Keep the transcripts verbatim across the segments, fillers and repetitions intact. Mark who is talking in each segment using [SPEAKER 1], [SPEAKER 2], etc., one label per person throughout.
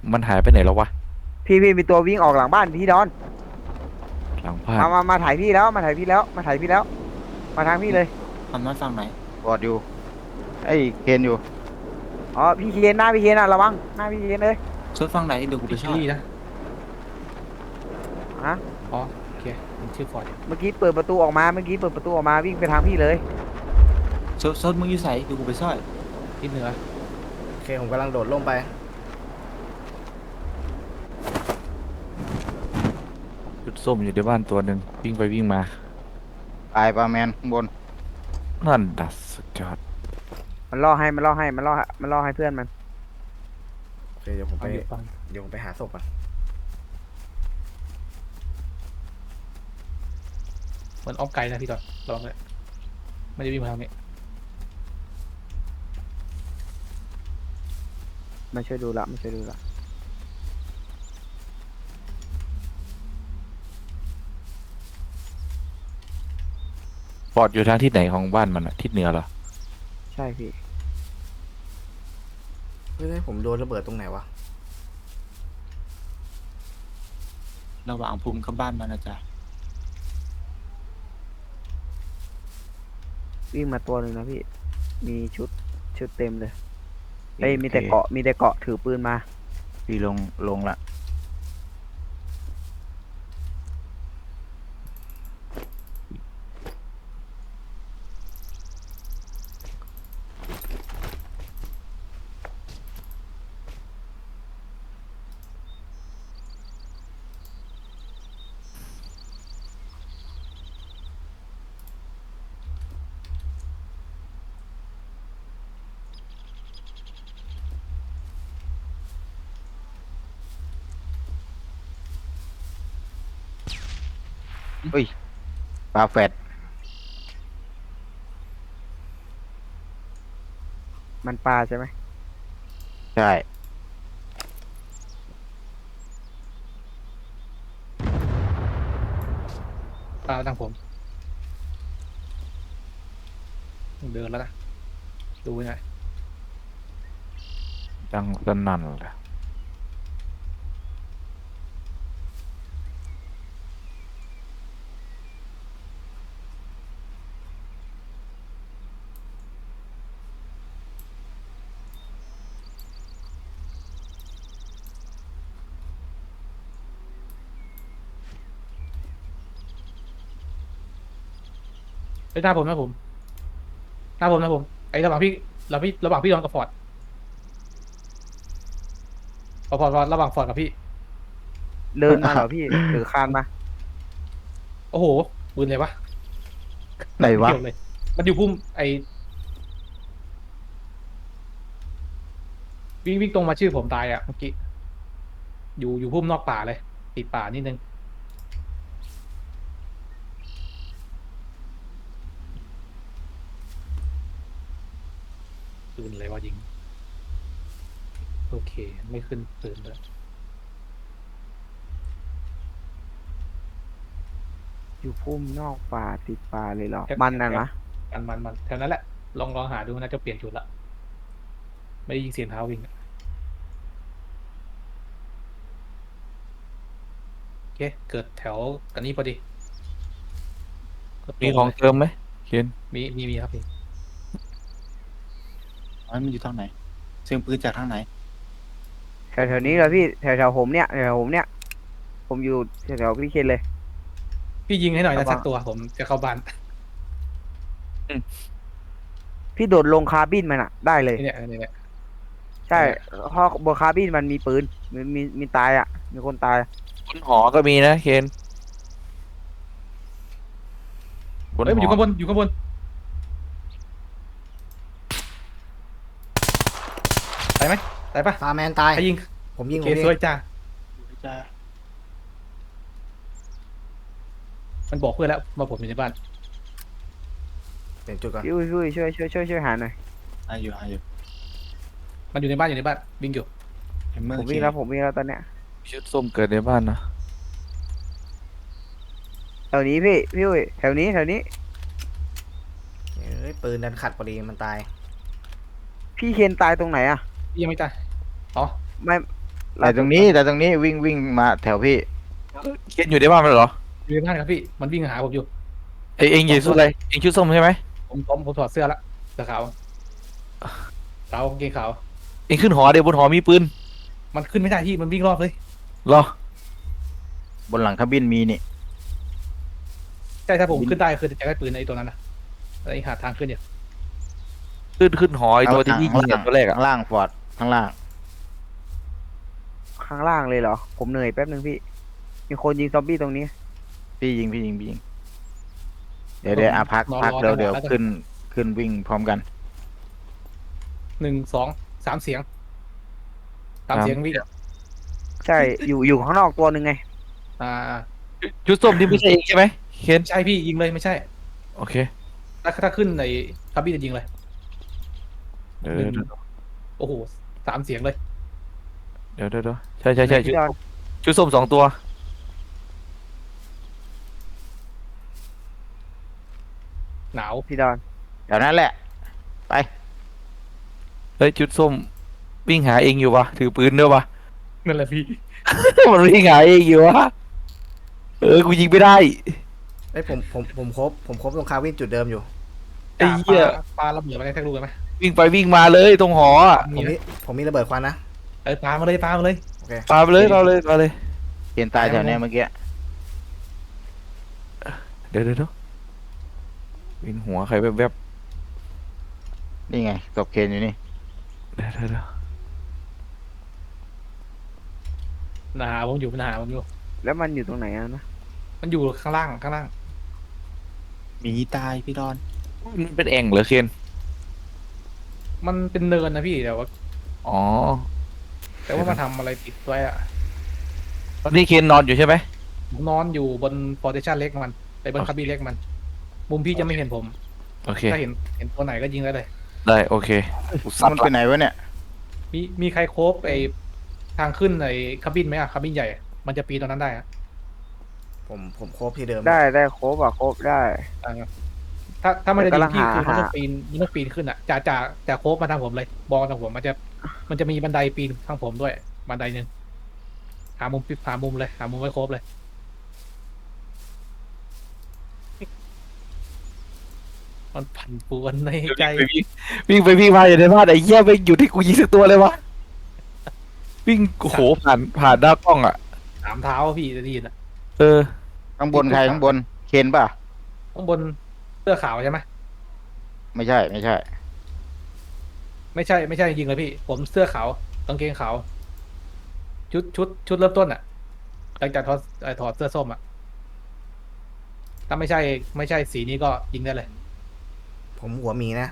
[SPEAKER 1] มันหายไปไหนแล้ววะ
[SPEAKER 2] พี่พี่มีตัววิ่งออกหลังบ้านพี่ดอน
[SPEAKER 1] หลังบ้าน
[SPEAKER 2] มามามาถ่ายพี่แล้วมาถ่ายพี่แล้วมาถ่ายพี่แล้วมาทางพี่เลย
[SPEAKER 3] ทำน้อยฟังไหน
[SPEAKER 4] บอดอยู่ไอ้เคนอยู่
[SPEAKER 2] อ๋อพี่เคนหน้าพี่เคนอ่ะระวังหน้าพี่เคนเลย
[SPEAKER 3] ช่วยฟังไหนเดี๋ยวกูไป
[SPEAKER 5] พี่เค
[SPEAKER 3] ช่วย
[SPEAKER 5] ลลี่นะ
[SPEAKER 2] ฮะ
[SPEAKER 5] อ๋อโอเคมันชื่อฟอร์ด
[SPEAKER 2] เมื่อกี้เปิดประตูออกมาเมื่อกี้เปิดประตูออกมาวิ่งไปทางพี่เลย
[SPEAKER 3] โซดโซดมึงอยู่ใส่เดี๋ยวกูไปช่วย
[SPEAKER 5] ที่เหนือ
[SPEAKER 6] โอเคผมกำลังโดดลงไป
[SPEAKER 1] จุดส้มอยู่ในบ้านตัวหนึ่งวิ่งไปวิ่งมา
[SPEAKER 4] ตายปลาแมนข้างบน
[SPEAKER 1] นั่นดัสสุดยอด
[SPEAKER 2] มันล่อให้มันล่อให้มันล่อมันล่อให้เพื่อนมัน
[SPEAKER 6] โอเคเดี๋ยวผมไป
[SPEAKER 5] เอาอยู่ฟัง
[SPEAKER 6] เดี๋ยวผมไปหาศพก่อน
[SPEAKER 5] เหมือนอ้อมไกลนะพี่ต่อลองเลยไม่ได้วิ่งมาทางนี้
[SPEAKER 2] มาช่วยดูละมาช่วยดูละ
[SPEAKER 1] ฟอร์ดอยู่ทางทิศไหนของบ้านมันอะทิศเหนือเหรอ
[SPEAKER 2] ใช่พี่
[SPEAKER 6] เฮ้ยผมโดนระเบิดตรงไหนวะ
[SPEAKER 3] ระหว่างภูมิกับบ้านมันนะจ๊ะ
[SPEAKER 2] วิ่งมาตัวหนึ่งนะพี่มีชุดชุดเต็มเลยเอ้ยมีแต่เกาะมีแต่เกาะถือปืนมา
[SPEAKER 4] พี่ลงลงละเฮ้ยปลาแฟด
[SPEAKER 2] มันปลาใช่ไหม
[SPEAKER 4] ใช่
[SPEAKER 5] ตามทางผมเดินแล้วนะดูหน่อย
[SPEAKER 1] ดังสนั่นเลย
[SPEAKER 5] ไอ้ยหน้าผมหน้าผมหน้าผมหน้าผมไอ้ระหว่างพี่ระหว่างพี่ระหว่างพี่ดอนกับฟอร์ดฟอร์ดฟอร์ดฟอร์ดระหว่างฟอร์ดกับพี่
[SPEAKER 2] เดินมาเหรอพี่หรือคานมา
[SPEAKER 5] โอ้โหปืนเลยวะ
[SPEAKER 4] ไหนวะ
[SPEAKER 5] เกี่ยวเลยมันอยู่พุ่มไอวิ่งวิ่งตรงมาชื่อผมตายอ่ะเมื่อกี้อยู่อยู่พุ่มนอกป่าเลยติดป่านิดนึงปืนอะไรวะยิงโอเคไม่ขึ้นปืนแล้ว
[SPEAKER 2] อยู่พุ่มนอกป่าติดป่าเลยเหรอมันน่ะนะ
[SPEAKER 5] มันมันมันแถวนั้นแหละลองลองหาดูน่าจะเปลี่ยนชุดละไม่ได้ยินเสียงเท้าวิ่งอะโอเคเกิดแถวกันนี้พอดีก็ตร
[SPEAKER 1] มีของ
[SPEAKER 5] เลย
[SPEAKER 1] เติมไหมเคน
[SPEAKER 5] มีมีมีครับพี่
[SPEAKER 3] อ๋อมันอยู่ทางไหนเสียงปืนจากทางไหน
[SPEAKER 2] แถวแถวนี้เหรอพี่แถวแถวผมเนี่ยแถวผมเนี่ยผมอยู่แถวแถวพี่เคนเลย
[SPEAKER 5] พี่ยิงให้หน่อยนะ
[SPEAKER 2] ระวัง
[SPEAKER 5] สักตัวผมจะเข้าบ้าน
[SPEAKER 2] พี่โดดลงคาร์บินมันอ่ะได้เลย
[SPEAKER 5] นี่เนี่ยนี่เนี่ย
[SPEAKER 2] ใช่เพราะบนคาร์บินมันมีปืนมีมีมีตายอ่ะมีคนตาย
[SPEAKER 1] บนหอก็มีนะเคนบน
[SPEAKER 5] เฮ้ยมัน
[SPEAKER 1] ห
[SPEAKER 5] อยู่
[SPEAKER 1] อ
[SPEAKER 5] ข้างบนอยู่ข้างบนตายไหมตายปะ
[SPEAKER 6] ปลาแมนตาย
[SPEAKER 5] ใครยิง
[SPEAKER 6] ผมยิง
[SPEAKER 5] โอ
[SPEAKER 6] ผ
[SPEAKER 5] เค
[SPEAKER 6] มยิ
[SPEAKER 5] ส
[SPEAKER 6] ง
[SPEAKER 5] วยจ้า
[SPEAKER 3] จ้า
[SPEAKER 5] มันบอกเพื่อนแล้วมาผมอยู่ในบ้าน
[SPEAKER 6] เปลี่ยนจุดก่อน
[SPEAKER 2] พี่อุ้ยพี่อุ้ยช่วยช่วยช่วยช่วยหาหน่อย
[SPEAKER 3] อายุอายุ
[SPEAKER 5] มันอยู่ในบ้านอยู่ในบ้านวิ่งอยู่
[SPEAKER 3] เห็นเมื่อ
[SPEAKER 2] ผม
[SPEAKER 3] กี้
[SPEAKER 2] วิ่งแล้วผมวิ่งแล้วตอนเนี้ย
[SPEAKER 1] ชุดส้มเกิดในบ้านนะ
[SPEAKER 2] แถวนี้พี่พี่อุ้ยแถวนี้แถวนี้
[SPEAKER 6] เอ้ยปืนดันขัดพอดีมันตาย
[SPEAKER 2] พี่เคนตายตรงไหนอ่ะ
[SPEAKER 5] ยังไม่ตายอ๋อ
[SPEAKER 2] ไม่
[SPEAKER 4] แต่ตรงนี้แต่ตรงนี้วิ่งวิ่งมาแถวพี่
[SPEAKER 1] เคนอยู่ในบ้านมันเหรอ
[SPEAKER 5] อยู่ในบ้านครับพี่มันวิ่งหาผมอยู่
[SPEAKER 1] ไอเองอยู่ชุดอะไรเองชุดส้มใช่ไหม
[SPEAKER 5] ผมผมผมถอดเสื้อละเสื้อขาวขาวกางเกงขาว
[SPEAKER 1] เองขึ้นหอเดี๋ยวบนหอมีปืน
[SPEAKER 5] มันขึ้นไม่ได้พี่มันวิ่งรอบเลย
[SPEAKER 1] เหรอบ
[SPEAKER 4] นหลังเครื่องบินมีนี่
[SPEAKER 5] ใช่ถ้าผมขึ้นได้คือจะได้ปืนไอ้ตัวนั้นนะไอ้หาทางขึ้นเนี่ย
[SPEAKER 1] ขึ้นขึ้นหอไอตัวที่พี่ยิง
[SPEAKER 4] ข้า
[SPEAKER 1] อะตัวแรกอะ
[SPEAKER 4] ข้างล่างฟอร์ดข้างล่าง
[SPEAKER 2] ข้างล่างเลยเหรอ ผมเหนื่อยแป๊บนึงพี่ มีคนยิงซอมบี้ตรงนี้
[SPEAKER 4] พี่ยิงพี่ยิงพี่ยิงเดี๋ยวเดี๋ยวอ่ะพัก
[SPEAKER 5] นอน
[SPEAKER 4] พัก
[SPEAKER 5] รอ
[SPEAKER 4] เดี๋ยว
[SPEAKER 5] จังหวะ
[SPEAKER 4] เดี๋ยว
[SPEAKER 5] แล้วกัน
[SPEAKER 4] ขึ้นขึ้นวิ่งพร้อมกัน
[SPEAKER 5] หนึ่งสองสามเสียงสามเสียงวิ่ง
[SPEAKER 2] ใช่ อยู่อยู่ข้างนอกตัวหนึ่งไง
[SPEAKER 5] อ่า
[SPEAKER 1] ชุดส้มที่ไม่ใช่เองใช่ไหมเคน
[SPEAKER 5] ใช่พี่ยิงเลยไม่ใช่
[SPEAKER 1] โอเค
[SPEAKER 5] ถ้าถ้าขึ้นในคาบินจะยิงเลย
[SPEAKER 1] เดี๋ยว
[SPEAKER 5] หนึ่ง
[SPEAKER 1] เดี๋ยว
[SPEAKER 5] โอ้โหสามเสียงเลย
[SPEAKER 1] เดี๋ยวเดี๋ยวเดี๋ยวใช่ใช่ใช่ชุด
[SPEAKER 2] พี่ดอน
[SPEAKER 1] ชุดส้มสองตัว
[SPEAKER 5] หนาว
[SPEAKER 2] พี่ดอน
[SPEAKER 4] เดี๋ยวนั้นแหละ ไป
[SPEAKER 1] เฮ้ยชุดส้มวิ่งหาเองอยู่วะถือปืนด้วยวะ
[SPEAKER 5] นั่นแหละพี่
[SPEAKER 1] มันวิ่งหาเองอยู่วะเออกูยิงไม่ได้
[SPEAKER 6] ไอ้ยผมผมผมครบผมครบตรงคาวินจุดเดิมอยู่
[SPEAKER 1] ไอ้เหี้ย
[SPEAKER 5] ปลาปลาระเบิดมาได้แท็กลูกไหม
[SPEAKER 1] วิ่งไปวิ่งมาเลยตรงหออะ
[SPEAKER 6] ผมมีผมมีระเบิดควันนะ
[SPEAKER 5] เออปลามาเลยปลามาเลย
[SPEAKER 6] โอเค
[SPEAKER 1] ปาไปเลยเราเลยเราเลย
[SPEAKER 4] เกียนตายแถวเนี้ยเมื่อกี้
[SPEAKER 1] เดี๋ยวเดี๋ยวเดี๋ยววินหัวใครแวบ
[SPEAKER 4] นี่ไงศพเคนอยู่นี่
[SPEAKER 1] ๆเดี๋ยวเดี๋ยวเดี๋ยว
[SPEAKER 5] หนาผมอยู่หนาผมอยู่
[SPEAKER 2] แล้วมันอยู่ตรงไหนอะนะ
[SPEAKER 5] มันอยู่ข้างล่างข้างล่าง
[SPEAKER 3] หมีตายพี่ดอน
[SPEAKER 1] มันเป็นแอ่งเหรอเคน
[SPEAKER 5] มันเป็นเนินนะพี่แต่ว่า
[SPEAKER 1] อ๋อ
[SPEAKER 5] แต่ว่ามันทำอะไรติดไว้อะ
[SPEAKER 1] ตอนนี้เคนนอนอยู่ใช่ไหม
[SPEAKER 5] ผมนอนอยู่บนฟอร์เทชันเล็กมันไปบนคาบินเล็กมัน มุมพี่จะไม่เห็นผม
[SPEAKER 1] โอเค
[SPEAKER 5] ถ้าเห็นเห็นตัวไหนก็ยิงได้เลย
[SPEAKER 1] ได้โอเคกูซัด
[SPEAKER 4] มันไป
[SPEAKER 1] ละ
[SPEAKER 4] ไหนวะเนี่ย
[SPEAKER 5] มีมีใครโคบไอทางขึ้นไอคาบินไหมอะคาบินใหญ่อะมันจะปีนตรงนั้นได้อะ
[SPEAKER 6] ผมผมครบที่เดิม
[SPEAKER 2] ได้ได้ครบอ่ะครบได้
[SPEAKER 5] อ่าถ้าถ้ามันจะยิงพี่
[SPEAKER 2] แต่
[SPEAKER 5] คือก
[SPEAKER 2] ำลังหา
[SPEAKER 5] มันต้องปีนมันต้องปีนขึ้นอะจะจะจะโคบมาทางผมเลยบอลทางผมมันจะมันจะมีบันไดปีนทางผมด้วย บันไดหนึ่งหามุมปิดหามุมเลยหามุมไว้โคบเลย มันผันปวนในใจ
[SPEAKER 1] วิ่งไปวิ่งวิ่งไปวิ่งมาอยู่ในบ้านไอ้เหี้ยไปอยู่ที่กูยิงสักตัวเลยวะวิ่งโอ้โหผ่านผ่านหน้ากล้องอ่ะ
[SPEAKER 5] สามเท้าพี่จะได้ยินอะ
[SPEAKER 1] เออ
[SPEAKER 4] ข้างบนใครข้างบน เคนป่ะ
[SPEAKER 5] ข้างบนเสื้อขาวใช่ไหม
[SPEAKER 4] ไม่ใช่ไม่ใช่
[SPEAKER 5] ไม่ใช่ไม่ใช่ยิงเลยพี่ ผมเสื้อขาวกางเกงขาวชุดชุดชุดเริ่มต้นอะหลังจากถอดเอ่อถอดเสื้อส้มอะถ้าไม่ใช่ไม่ใช่สีนี้ก็ยิงได้เลย
[SPEAKER 6] ผมหัวหมีนะ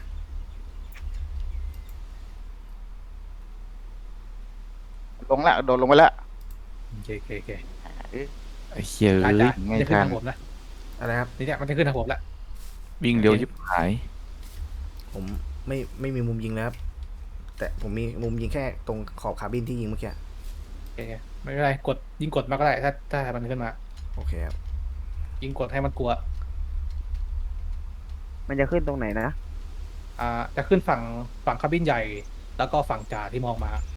[SPEAKER 4] ลงละโดดลงไปละ
[SPEAKER 5] โอเคโอเคโอเค
[SPEAKER 1] ไอ้เหี้ย
[SPEAKER 5] อา
[SPEAKER 1] เอ้
[SPEAKER 5] จ
[SPEAKER 1] ย
[SPEAKER 5] จะ
[SPEAKER 4] ไม่
[SPEAKER 5] จะขึ้น
[SPEAKER 4] ทัน
[SPEAKER 5] ทางผมนะ
[SPEAKER 6] อะไรครับ
[SPEAKER 5] นี่เนี่ยมันจะขึ้นทางผมละ
[SPEAKER 1] วิ่งเร็วยิบหาย
[SPEAKER 6] ผมไม่ไม่มีมุมยิงแล้วครับ แต่ผมมีมุมยิงแค่ตรงขอบคาบินที่ยิงเมื่อกี้
[SPEAKER 5] โอเคไม่เป็นไรกดยิงกดมาก็ได้ถ้าถ้ามันขึ้นมา
[SPEAKER 6] โอเคครับ
[SPEAKER 5] ยิงกดให้มันกลัว
[SPEAKER 2] มันจะขึ้นตรงไหนนะ
[SPEAKER 5] อ่าจะขึ้นฝั่งฝั่งคาบินใหญ่ แล้วก็ฝั่งจ่าที่มองมา